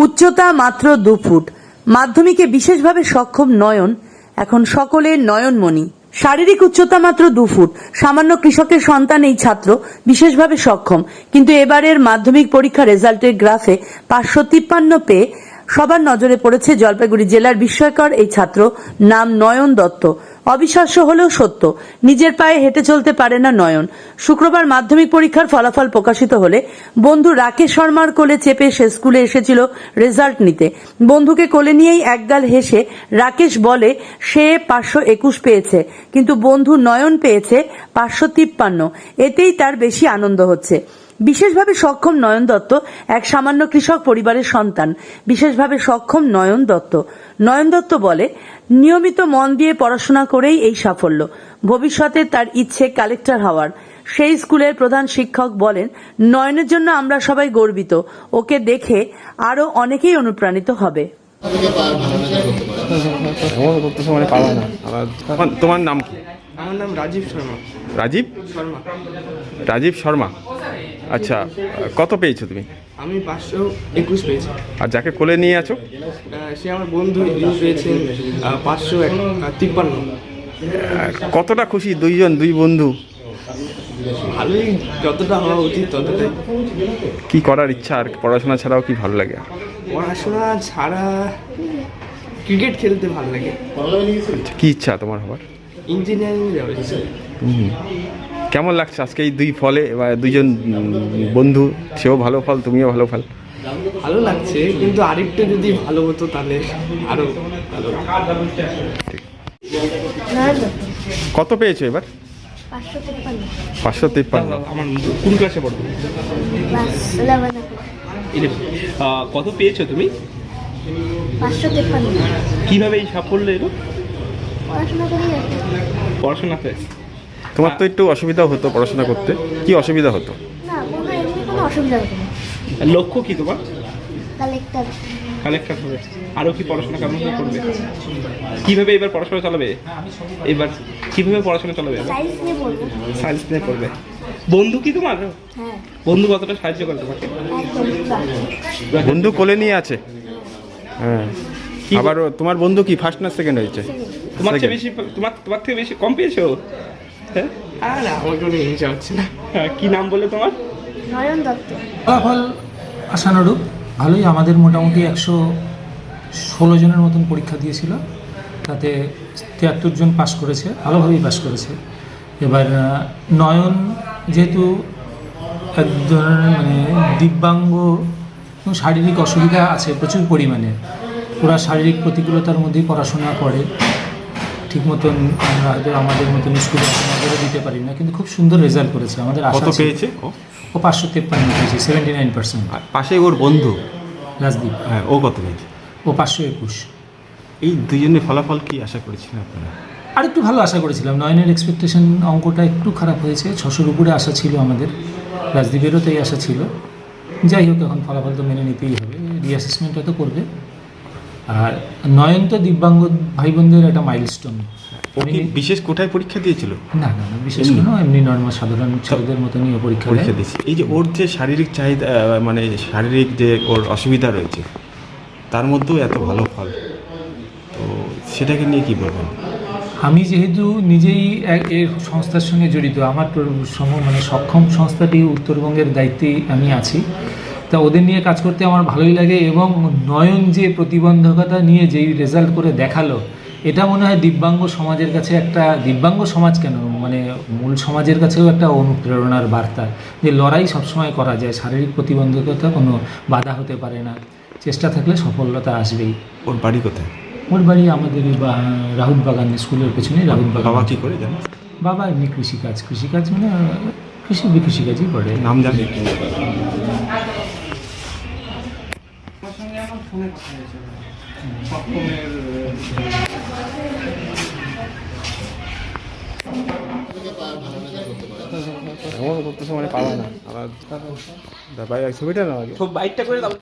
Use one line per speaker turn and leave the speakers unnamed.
উচ্চতা মাত্র 2 ফুট, মাধ্যমিকে বিশেষভাবে সক্ষম নয়ন এখন সকলের নয়নমণি। শারীরিক উচ্চতা মাত্র 2 ফুট, সামান্য কৃষকের সন্তান এই ছাত্র বিশেষভাবে সক্ষম, কিন্তু এবারের মাধ্যমিক পরীক্ষা রেজাল্টের গ্রাফে 553 পেয়ে সবার নজরে পড়েছে জলপাইগুড়ি জেলার বিস্ময়কর এই ছাত্র, নাম নয়ন দত্ত। অবিশ্বাস্য হলেও সত্য, নিজের পায়ে হেঁটে চলতে পারে না নয়ন। শুক্রবার মাধ্যমিক পরীক্ষার ফলাফল প্রকাশিত হলে বন্ধু রাকেশ শর্মার কোলে চেপে সে স্কুলে এসেছিল রেজাল্ট নিতে। বন্ধুকে কোলে নিয়েই একগাল হেসে রাকেশ বলে সে 521 পেয়েছে, কিন্তু বন্ধু নয়ন পেয়েছে 553। এতেই তার বেশি আনন্দ হচ্ছে। বিশেষভাবে সক্ষম নয়ন দত্ত এক সামান্য কৃষক পরিবারের সন্তান। বিশেষভাবে সক্ষম নয়ন দত্ত বলে, নিয়মিত মন দিয়ে পড়াশোনা করেই এই সাফল্য। ভবিষ্যতে তার ইচ্ছে কালেক্টর হওয়ার। সেই স্কুলের প্রধান শিক্ষক বলেন, নয়নের জন্য আমরা সবাই গর্বিত, ওকে দেখে আরো অনেকেই অনুপ্রাণিত হবে।
তোমার নাম কি?
আমার নাম রাজীব শর্মা।
রাজীব শর্মা। আচ্ছা, কত পেয়েছো তুমি?
আমি 521 পেয়েছি।
আর যাকে কোলে নিয়ে আছো?
সে আমার বন্ধু, যিনি পেয়েছেন 553।
কতটা খুশি দুই বন্ধু?
ভালোই, যতটা হওয়া উচিত ততটাই।
কি করার ইচ্ছা আর পড়াশোনা ছাড়াও কি ভালো লাগে?
পড়াশোনা ছাড়া ক্রিকেট খেলতে ভালো লাগে।
কি ইচ্ছা তোমার হবার?
ইঞ্জিনিয়ারিং যাওয়ার ইচ্ছা।
কেমন লাগছে আজকে এই দুই ফলে বা দুইজন বন্ধু, সেও ভালো ফল তুমিও ভালো ফল?
ভালো লাগছে, কিন্তু আরেকটু যদি ভালো হতো তাহলে আরো ভালো।
কত পেয়েছো এবার? 553।
আমার কোন ক্লাসে পড়ো? কত পেয়েছো তুমি?
553।
কিভাবে এই সাফল্য এলো? পড়াশোনাতে?
তোমার তো একটু অসুবিধা হতো পড়াশোনা করতে, কি অসুবিধা হতো?
না, কোনো অসুবিধা হতো না।
লক্ষ্য কি তোমার?
কালেক্টর
হবে। আরও কি পড়াশোনা কেমন করবে? কিভাবে এবার পড়াশোনা চালাবে? এবার কিভাবে পড়াশোনা চালাবে? সায়েন্স নিয়ে পড়বে। বন্ধু কি তোমার?
হ্যাঁ।
বন্ধু কতটা সাহায্য করে তোমাকে?
বন্ধু কোলে নিয়ে আছে? হ্যাঁ। আবার তোমার বন্ধু কি ফার্স্ট না সেকেন্ড হয়েছে?
তোমার থেকে বেশি, তোমার থেকে বেশি কম পেয়েছো? হ্যাঁ।
আর আমার কোনো ইচ্ছা হচ্ছে না।
কি নাম বলে তোমার?
নয়ন দত্ত।
ফলাফল আশানুরূপ ভালোই। আমাদের মোটামুটি 116 জনের মতন পরীক্ষা দিয়েছিল, তাতে 73 জন পাশ করেছে, ভালোভাবেই পাশ করেছে। এবার নয়ন যেহেতু এক ধরনের দিব্যাঙ্গ, শারীরিক অসুবিধা আছে প্রচুর পরিমাণে, ওরা শারীরিক প্রতিকূলতার মধ্যেই পড়াশোনা করে, ঠিক মতন আমরা হয়তো আমাদের মতন স্কুলে নজরে দিতে পারি না, কিন্তু খুব সুন্দর রেজাল্ট করেছে। আমাদের আশা
পেয়েছে
ও 553 পেয়েছে, 79%।
পাশে ওর বন্ধু
রাজদীপ,
হ্যাঁ, ও কত পেয়েছে?
ও 521।
এই দুজনের ফলাফল কি আশা করেছিলেন আপনারা?
আর একটু ভালো আশা করেছিলাম। নয়নের এক্সপেকটেশন অঙ্কটা একটু খারাপ হয়েছে, 600-র উপরে আশা ছিল আমাদের, রাজদীপেরও তাই আশা ছিল। যাই হোক, এখন ফলাফল তো মেনে নিতেই হবে, রিঅ্যাসেসমেন্টটা তো করবে। আর নয়ন তো দিব্যাঙ্গ ভাই বোনদের একটা মাইলস্টোন।
ও কি বিশেষ কোটায় পরীক্ষা দিয়েছিল?
না, বিশেষ কোনো, এমনি নর্মাল সাধারণ ছেলেদের মতনই ও পরীক্ষা
দিয়েছে। এই যে ওর যে শারীরিক চাহিদা, শারীরিক যে ওর অসুবিধা রয়েছে, তার মধ্যেও এত ভালো ফল, তো সেটাকে নিয়ে কি বলবেন?
আমি যেহেতু নিজেই এর সংস্থার সঙ্গে জড়িত, আমার সক্ষম সংস্থাটি উত্তরবঙ্গের দায়িত্বেই আমি আছি, তা ওদের নিয়ে কাজ করতে আমার ভালোই লাগে। এবং নয়ন যে প্রতিবন্ধকতা নিয়ে যেই রেজাল্ট করে দেখালো, এটা মনে হয় দিব্যাঙ্গ সমাজের কাছে একটা, দিব্যাঙ্গ সমাজ কেন, মূল সমাজের কাছেও একটা অনুপ্রেরণার বার্তা, যে লড়াই সবসময় করা যায়, শারীরিক প্রতিবন্ধকতা কোনো বাধা হতে পারে না, চেষ্টা থাকলে সফলতা আসবেই।
ওর বাড়ি কোথায়?
ওর বাড়ি আমাদের রাহুল বাগান স্কুলের পেছনে। রাহুল বাগান।
বাবা কী করে জানো?
বাবা এমনি কৃষিকাজ কৃষিকাজই করে।
নাম জানি? পাওয়া না আমার ছবিটা না, বাইকটা করে